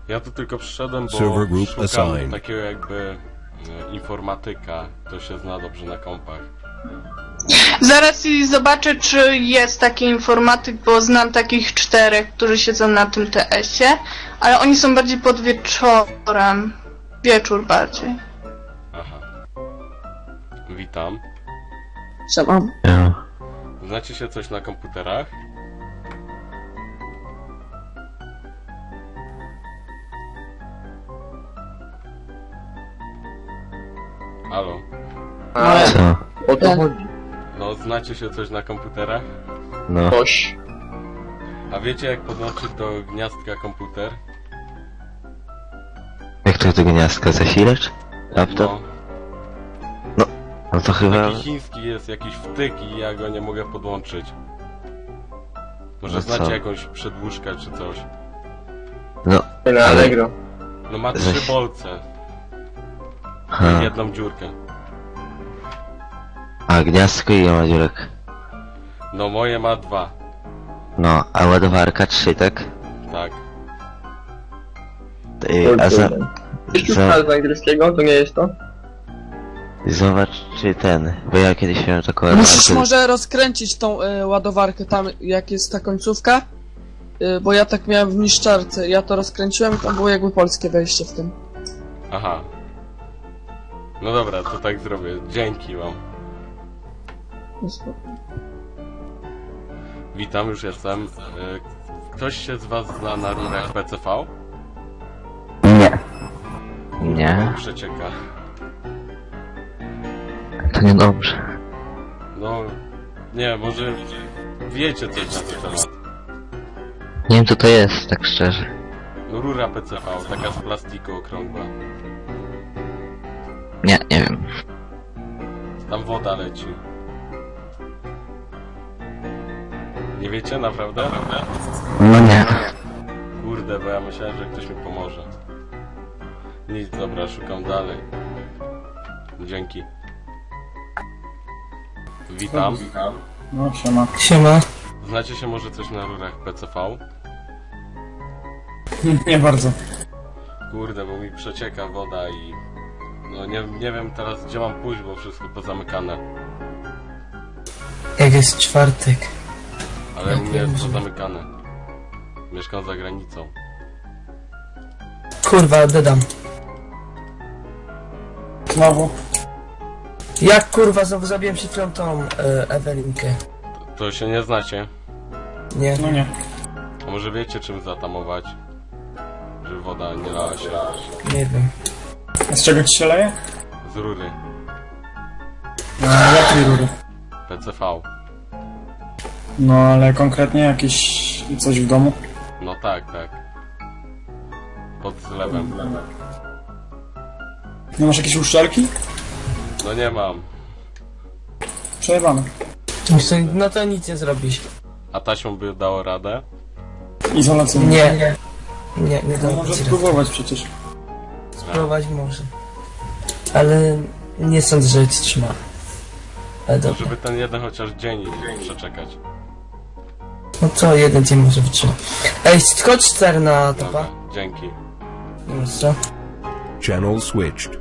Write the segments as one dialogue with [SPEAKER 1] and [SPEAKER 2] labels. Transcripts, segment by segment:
[SPEAKER 1] Ja tu tylko przyszedłem, bo
[SPEAKER 2] Server group
[SPEAKER 1] szukam
[SPEAKER 2] assigned.
[SPEAKER 1] takiego jakby informatyka, kto się zna dobrze na kompach.
[SPEAKER 3] Zaraz i zobaczę, czy jest taki informatyk, bo znam takich 4, którzy siedzą na tym TS-ie, ale oni są bardziej pod wieczorem. Wieczór bardziej.
[SPEAKER 1] Aha. Witam.
[SPEAKER 4] Co mam?
[SPEAKER 1] Znacie się coś na komputerach? Halo?
[SPEAKER 5] Co?
[SPEAKER 4] O to chodzi.
[SPEAKER 1] No, znacie się coś na komputerach?
[SPEAKER 5] No.
[SPEAKER 4] Coś.
[SPEAKER 1] A wiecie jak podłączyć do gniazdka komputer?
[SPEAKER 5] Jak to do gniazdka? Zasilacz? Laptop?
[SPEAKER 1] No,
[SPEAKER 5] No to chyba...
[SPEAKER 1] taki chiński jest jakiś wtyk i ja go nie mogę podłączyć. Może
[SPEAKER 5] No
[SPEAKER 1] znacie
[SPEAKER 5] co?
[SPEAKER 1] jakąś przedłużkę czy coś?
[SPEAKER 5] No,
[SPEAKER 4] Na Allegro.
[SPEAKER 1] No ma 3
[SPEAKER 5] Zaś-
[SPEAKER 1] bolce i
[SPEAKER 5] ha.
[SPEAKER 1] jedną dziurkę.
[SPEAKER 5] A gniazdko i ma dziurek.
[SPEAKER 1] No moje ma 2,
[SPEAKER 5] No, a ładowarka 3, tak?
[SPEAKER 1] tak.
[SPEAKER 5] A za...
[SPEAKER 4] Sztuka z angielskiego, to nie jest to?
[SPEAKER 5] Zobacz czy ten, bo ja kiedyś miałem taką
[SPEAKER 6] Musisz
[SPEAKER 5] ładowarkę.
[SPEAKER 6] może rozkręcić tą ładowarkę tam, jak jest ta końcówka. Bo ja tak miałem w niszczarce. Ja to rozkręciłem i tam było jakby polskie wejście w tym.
[SPEAKER 1] Aha. No dobra, to tak zrobię. Dzięki wam. Witam, już jestem. Ktoś się z was zna na rurach PCV?
[SPEAKER 5] Nie. Nie,
[SPEAKER 1] Przecieka.
[SPEAKER 5] to niedobrze.
[SPEAKER 1] No, nie, może wiecie coś na ten temat.
[SPEAKER 5] Nie wiem co to jest, tak szczerze.
[SPEAKER 1] No rura PCV, taka z plastiku okrągła.
[SPEAKER 5] Nie wiem.
[SPEAKER 1] Tam woda leci. Nie wiecie, naprawdę?
[SPEAKER 5] No nie.
[SPEAKER 1] Kurde, bo ja myślałem, że ktoś mi pomoże. Nic, dobra, szukam dalej. Dzięki. Witam.
[SPEAKER 7] No, siema.
[SPEAKER 6] Siema.
[SPEAKER 1] Znacie się może coś na rurach PCV?
[SPEAKER 7] Nie bardzo.
[SPEAKER 1] Kurde, bo mi przecieka woda i... No nie wiem teraz gdzie mam pójść, bo wszystko pozamykane.
[SPEAKER 8] Jak jest czwartek.
[SPEAKER 1] Ale u mnie jest pozamykane. Mieszkam za granicą.
[SPEAKER 8] Kurwa, dodam.
[SPEAKER 7] Znowu.
[SPEAKER 8] Jak kurwa znowu zabiłem przed chwilą tą Ewelinkę.
[SPEAKER 1] To się nie znacie?
[SPEAKER 8] Nie.
[SPEAKER 7] No nie.
[SPEAKER 1] A może wiecie czym zatamować? Żeby woda nie lała się
[SPEAKER 8] Nie wiem.
[SPEAKER 7] A z czego ci się leje?
[SPEAKER 1] z rury.
[SPEAKER 7] Jakiej rury?
[SPEAKER 1] PCV.
[SPEAKER 7] No ale konkretnie jakieś coś w domu?
[SPEAKER 1] No tak. Pod zlewem.
[SPEAKER 7] Nie masz jakiejś uszczelki?
[SPEAKER 1] No nie mam.
[SPEAKER 7] Przejebane.
[SPEAKER 8] No to nic nie zrobisz.
[SPEAKER 1] A taśmą by dało radę?
[SPEAKER 7] Izolacyjnie.
[SPEAKER 8] Nie. Nie
[SPEAKER 7] No
[SPEAKER 8] dam
[SPEAKER 7] może
[SPEAKER 8] ci rady.
[SPEAKER 7] spróbować przecież.
[SPEAKER 8] Spróbować może. Ale nie sądzę, że ci trzyma. Ale
[SPEAKER 1] No,
[SPEAKER 8] dobra.
[SPEAKER 1] żeby ten jeden chociaż dzień przeczekać.
[SPEAKER 8] No co, jeden dzień może wytrzyma. Ej, chodź 4 na topa.
[SPEAKER 1] Dobra, dzięki.
[SPEAKER 8] No co?
[SPEAKER 2] Channel switched.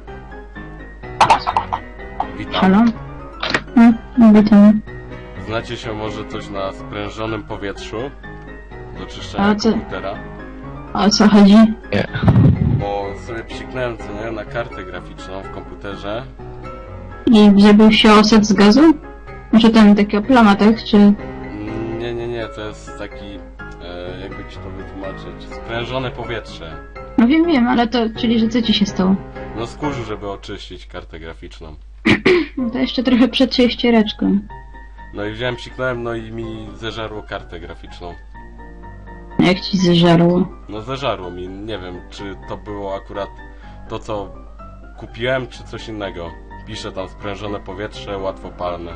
[SPEAKER 1] Witam.
[SPEAKER 9] Halo? Witam.
[SPEAKER 1] Znacie się może coś na sprężonym powietrzu? Do czyszczenia
[SPEAKER 9] A co?
[SPEAKER 1] komputera?
[SPEAKER 9] O co chodzi?
[SPEAKER 1] Bo sobie psiknąłem co nie, na kartę graficzną w komputerze.
[SPEAKER 9] I zrobił się osad z gazu? Może tam takiego plama, tak? Czy...
[SPEAKER 1] Nie, to jest taki, jakby ci to wytłumaczyć, sprężone powietrze.
[SPEAKER 9] No wiem, ale to, czyli że co ci się stało?
[SPEAKER 1] No z kurzu, żeby oczyścić kartę graficzną.
[SPEAKER 9] No to jeszcze trochę przed ściereczką.
[SPEAKER 1] No i wziąłem, psiknąłem, no i mi zeżarło kartę graficzną.
[SPEAKER 9] Jak ci zeżarło?
[SPEAKER 1] No zeżarło mi, nie wiem, czy to było akurat to, co kupiłem, czy coś innego. Pisze tam sprężone powietrze, łatwopalne.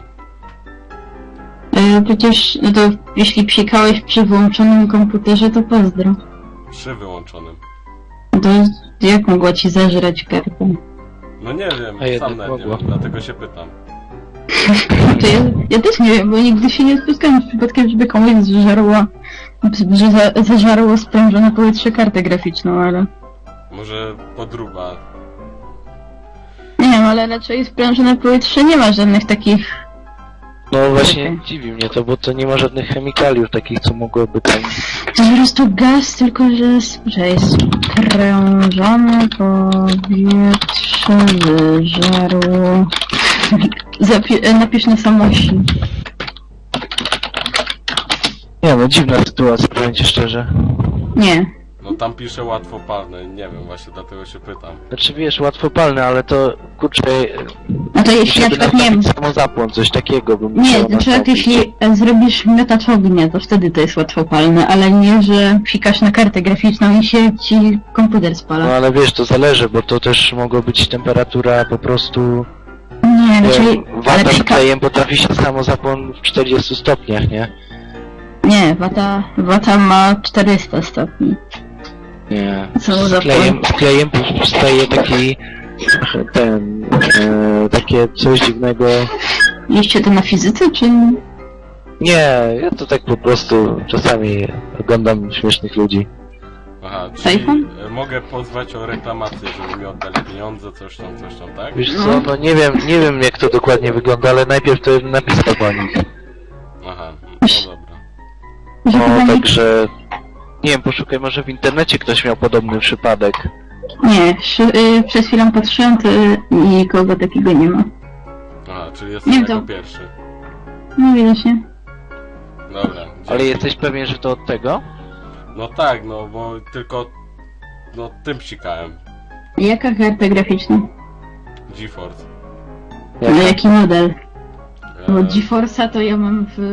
[SPEAKER 9] Przecież, no to jeśli psikałeś przy wyłączonym komputerze, to pozdro.
[SPEAKER 1] Przy wyłączonym.
[SPEAKER 9] No to jak mogła ci zeżreć kartę?
[SPEAKER 1] No nie wiem, sam nawet nie wiem, dlatego się pytam.
[SPEAKER 9] To ja też nie wiem, bo nigdy się nie spotkałem z przypadkiem, żeby komuś zeżarło sprężone powietrze kartę graficzną, ale...
[SPEAKER 1] Może podruba.
[SPEAKER 9] Nie wiem, ale raczej sprężone powietrze nie ma żadnych takich...
[SPEAKER 5] No właśnie dziwi mnie to, bo to nie ma żadnych chemikaliów takich, co mogłoby tam...
[SPEAKER 9] To po prostu gaz, tylko że jest sprężone powietrze wyżarło... Napisz na samości.
[SPEAKER 5] Nie no, dziwna sytuacja, powiem ci szczerze.
[SPEAKER 9] Nie.
[SPEAKER 1] No tam pisze łatwopalne, nie wiem, właśnie dlatego się pytam.
[SPEAKER 5] Znaczy wiesz, łatwopalne, ale to kurczę...
[SPEAKER 9] No to jeśli na przykład nie wiem...
[SPEAKER 5] Samozapłon, coś takiego bym
[SPEAKER 9] Nie,
[SPEAKER 5] musiał
[SPEAKER 9] na przykład
[SPEAKER 5] nastąpić.
[SPEAKER 9] jeśli zrobisz miotacz ognia, to wtedy to jest łatwopalne, ale nie, że pikasz na kartę graficzną i się ci komputer spala.
[SPEAKER 5] No ale wiesz, to zależy, bo to też mogła być temperatura po prostu...
[SPEAKER 9] Nie, raczej...
[SPEAKER 5] Wata z klejem potrafi się samozapłon w 40 stopniach, nie?
[SPEAKER 9] Nie, wata ma 400 stopni.
[SPEAKER 5] Nie.
[SPEAKER 9] Samozapłon.
[SPEAKER 5] Z klejem powstaje taki... takie coś dziwnego...
[SPEAKER 9] Liście to na fizyce, czy...
[SPEAKER 5] Nie, ja to tak po prostu czasami oglądam śmiesznych ludzi.
[SPEAKER 1] Aha, czyli
[SPEAKER 9] iPhone?
[SPEAKER 1] mogę pozwać o reklamację, żeby mi oddali pieniądze, coś tam, tak?
[SPEAKER 5] Wiesz co, no nie wiem jak to dokładnie wygląda, ale najpierw to napisał po nich.
[SPEAKER 1] Aha, no dobra.
[SPEAKER 9] Że
[SPEAKER 5] No,
[SPEAKER 9] chyba
[SPEAKER 5] także... Nie wiem, poszukaj, może w internecie ktoś miał podobny przypadek.
[SPEAKER 9] nie, przez chwilę patrzyłem, to nikogo takiego nie ma.
[SPEAKER 1] Aha, czyli
[SPEAKER 9] Nie,
[SPEAKER 1] jestem jako
[SPEAKER 9] to-
[SPEAKER 1] pierwszy.
[SPEAKER 9] No widocznie.
[SPEAKER 1] Dobra.
[SPEAKER 5] Ale
[SPEAKER 1] dzięki.
[SPEAKER 5] jesteś pewien, że to od tego?
[SPEAKER 1] No tak, no bo tylko... No tym psikałem.
[SPEAKER 9] Jaka karta graficzna?
[SPEAKER 1] GeForce.
[SPEAKER 9] No jaki model? Bo
[SPEAKER 1] E,
[SPEAKER 9] GeForce'a to ja mam w...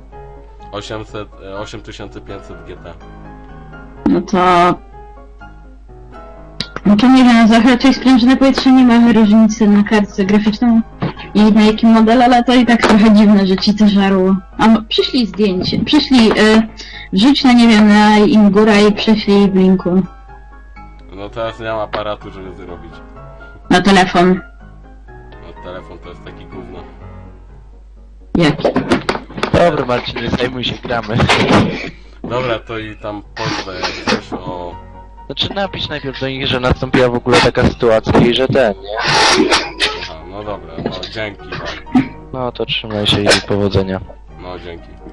[SPEAKER 1] 8500 GT.
[SPEAKER 9] No to... No to nie wiem, za raczej sprężone powietrze nie ma różnicy na kartce graficzną i na jaki model, ale to i tak trochę dziwne, że ci to żarło. Przyszli zdjęcie, wrzuć na, nie wiem, na Ingura i przyszli w linku.
[SPEAKER 1] No teraz nie mam aparatu, żeby zrobić.
[SPEAKER 9] Na telefon.
[SPEAKER 1] No telefon to jest taki gówno.
[SPEAKER 9] Jaki?
[SPEAKER 5] Dobra Marcin, nie zajmuj się, gramy.
[SPEAKER 1] Dobra, to i tam pozwę jak coś o...
[SPEAKER 5] Znaczy napisz najpierw do nich, że nastąpiła w ogóle taka sytuacja i że ten, nie?
[SPEAKER 1] Aha, no dobra, no dzięki.
[SPEAKER 5] No to trzymaj się i powodzenia.
[SPEAKER 1] No dzięki.